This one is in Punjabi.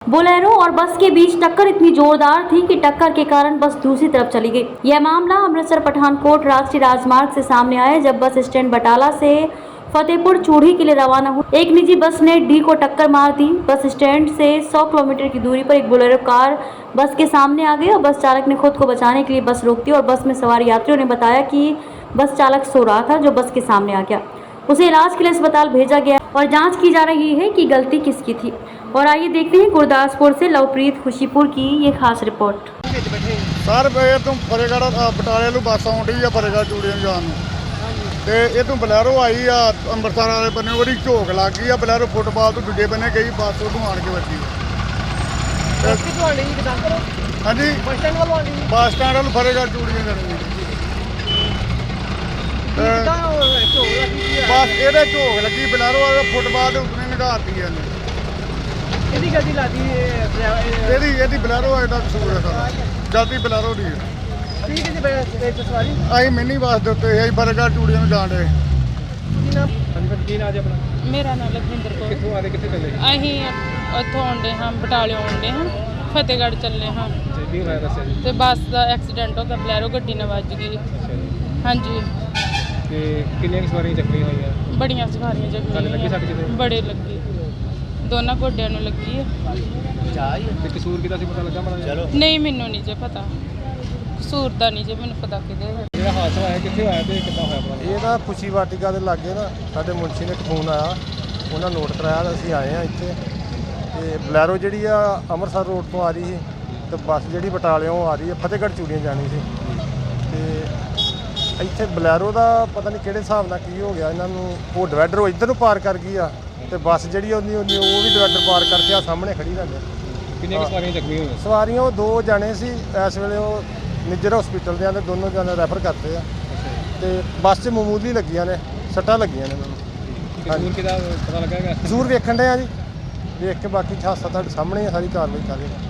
बोलेरो और बस के बीच टक्कर इतनी जोरदार थी कि टक्कर के कारण बस दूसरी तरफ चली गई। यह मामला अमृतसर पठानकोट राष्ट्रीय राजमार्ग से सामने आया जब बस स्टैंड बटाला से फतेहपुर चूड़ी के लिए रवाना हुई। एक निजी बस ने डी को टक्कर मार दी। बस स्टैंड से 100 किलोमीटर की दूरी पर एक बोलेरो कार बस के सामने आ गई और बस चालक ने खुद को बचाने के लिए बस रोक दी और बस में सवार यात्रियों ने बताया कि बस चालक सो रहा था जो बस के सामने आ गया। उसे इलाज के लिए अस्पताल भेजा गया और जांच की जा रही है कि गलती किसकी थी। और आइए देखते हैं गुरदासपुर से लवप्रीत खुशीपुर की ये खास रिपोर्ट। सर तुम फतेहगढ़ बटाले ਨੂੰ ਬੱਸ ਆਉਂਦੀ ਆ ਫਤਿਹਗੜ੍ਹ ਚੂੜੀਆਂ ਜਾਣ ਨੂੰ ਤੇ ਇਹ ਤੋਂ ਬਲੈਰੋ ਆਈ ਆ ਅੰਮ੍ਰਿਤਸਰ ਵਾਲੇ ਬੰਨੇ ਉਹਦੀ ਝੋਕ ਲੱਗ ਗਈ ਆ ਬਲੈਰੋ ਫੁੱਟਬਾਲ ਤੋਂ ਦੂਜੇ ਬੰਨੇ ਗਈ ਬੱਸ ਉਹਨੂੰ ਆਣ ਕੇ ਵੱਜੀ। ਹਾਂਜੀ ਬੱਸ ਸਟੈਂਡ ਵੱਲ ਫਤਿਹਗੜ੍ਹ ਚੂੜੀਆਂ ਜਾਣੀ ਬਸ ਇਹਦੇ ਝੋਕ ਲੱਗੀ ਬਲੈਰੋ ਵਾਲੇ ਫੁੱਟਬਾਲ ਦੇ ਉੱਤੇ ਨਿਗਾਰਤੀ ਇਹਨੇ ਇਹਦੀ ਗੱਡੀ ਲਾਦੀ ਇਹਦੀ ਬਲੈਰੋ ਆ ਇਹਦਾ ਕਸੂਰ ਹੈ ਸਾਰਾ ਜਲਦੀ ਬਲੈਰੋ ਦੀ ਠੀਕ ਹੈ ਜੀ ਸਵਾਰੀ ਅਸੀਂ ਮਿੰਨੀ ਬੱਸ ਦੇ ਉੱਤੇ ਅਸੀਂ ਫਤਿਹਗੜ੍ਹ ਚੂੜੀਆਂ ਨੂੰ ਜਾਣ ਰਹੇ। ਕੀ ਨਾਮ ਹਾਂਜੀ ਕੀ ਨਾਮ ਜੀ ਆਪਣਾ? ਮੇਰਾ ਨਾਮ ਲਖਵਿੰਦਰ ਕੌਰ। ਕਿੱਥੋਂ ਆ ਰਹੇ ਕਿੱਥੇ ਚੱਲੇ? ਅਸੀਂ ਉੱਥੋਂ ਆਉਂਦੇ ਹਾਂ ਬਟਾਲਿਓਂ ਆਉਂਦੇ ਹਾਂ ਫਤਿਹਗੜ੍ਹ ਚੱਲੇ ਹਾਂ ਕੀ ਹੋਇਆ ਦੱਸਿਆ ਜੀ? ਤੇ ਬੱਸ ਦਾ ਐਕਸੀਡੈਂਟ ਹੋ ਗਿਆ ਬਲੈਰੋ ਗੱਡੀ ਨਾਲ ਵੱਜ ਗਈ। ਹਾਂਜੀ ਤੇ ਕਿੰਨੀਆਂ ਸਵਾਰੀਆਂ ਜ਼ਖਮੀ ਹੋਈਆਂ? ਬੜੀਆਂ ਸਵਾਰੀਆਂ ਤੁਹਾਨੂੰ ਲੱਗੀ ਸੱਟ ਕਿਤੇ? ਬੜੇ ਲੱਗੀ ਦੋਨਾਂ ਗੋਡਿਆਂ ਨੂੰ ਲੱਗੀ ਹੈ। ਤੇ ਕਸੂਰ ਕਿਹਦਾ ਸੀ ਪਤਾ ਲੱਗਾ ਮਾੜਾ? ਨਹੀਂ ਮੈਨੂੰ ਨਹੀਂ ਜੇ ਪਤਾ ਕਸੂਰ ਦਾ ਨਹੀਂ ਜੇ ਮੈਨੂੰ ਪਤਾ ਕਿਹਦੇ ਹੈ। ਜਿਹੜਾ ਹਾਦਸਾ ਹੋਇਆ ਕਿੱਥੇ ਹੋਇਆ ਤੇ ਕਿੱਦਾਂ ਹੋਇਆ ਪਤਾ? ਇਹ ਨਾ ਖੁਸ਼ੀ ਵਾਟਿਕਾ ਦੇ ਲਾਗੇ ਨਾ ਸਾਡੇ ਮੁਨਸ਼ੀ ਨੇ ਇੱਕ ਫੋਨ ਆਇਆ, ਉਹਨਾਂ ਨੋਟ ਕਰਾਇਆ ਤਾਂ ਅਸੀਂ ਆਏ ਹਾਂ ਇੱਥੇ। ਤੇ ਬਲੈਰੋ ਜਿਹੜੀ ਆ ਅੰਮ੍ਰਿਤਸਰ ਰੋਡ ਤੋਂ ਆ ਰਹੀ ਸੀ ਤੇ ਬੱਸ ਜਿਹੜੀ ਬਟਾਲਿਓਂ ਆ ਰਹੀ ਹੈ ਫਤਿਹਗੜ੍ਹ ਚੂੜੀਆਂ ਜਾਣੀ ਸੀ। ਤੇ ਇੱਥੇ ਬਲੈਰੋ ਦਾ ਪਤਾ ਨਹੀਂ ਕਿਹੜੇ ਹਿਸਾਬ ਨਾਲ ਕੀ ਹੋ ਗਿਆ ਇਹਨਾਂ ਨੂੰ, ਉਹ ਡਿਵਾਈਡਰ ਉਹ ਇੱਧਰ ਨੂੰ ਪਾਰ ਕਰ ਗਈ ਆ ਤੇ ਬੱਸ ਜਿਹੜੀ ਉਹ ਵੀ ਡਿਵਾਈਡਰ ਪਾਰ ਕਰਕੇ ਆ ਸਾਹਮਣੇ ਖੜੀ ਲੱਗ ਗਈ। ਕਿੰਨੀਆਂ ਸਵਾਰੀਆਂ ਜ਼ਖਮੀ ਹੋਈਆਂ? ਸਵਾਰੀਆਂ ਉਹ 2 ਜਾਣੇ ਸੀ, ਇਸ ਵੇਲੇ ਉਹ ਨਿੱਜਰ ਹਸਪੀਟਲ ਦੇ ਆਂਦੇ ਦੋਨੋਂ ਜਾਣੇ ਰੈਫਰ ਕਰਤੇ ਆ ਤੇ ਬੱਸ 'ਚ ਮਾਮੂਲੀ ਲੱਗੀਆਂ ਨੇ ਸੱਟਾਂ ਲੱਗੀਆਂ ਨੇ ਮੈਨੂੰ। ਕਸੂਰ ਕਿਹਦਾ ਪਤਾ ਲੱਗਾ? ਜ਼ਰੂਰ ਵੇਖਣ ਦੇ ਆ ਜੀ, ਵੇਖ ਕੇ ਬਾਕੀ ਹਾਦਸਾ ਤੁਹਾਡੇ ਸਾਹਮਣੇ ਸਾਰੀ ਕਾਰਵਾਈ ਕਰ ਰਹੇ।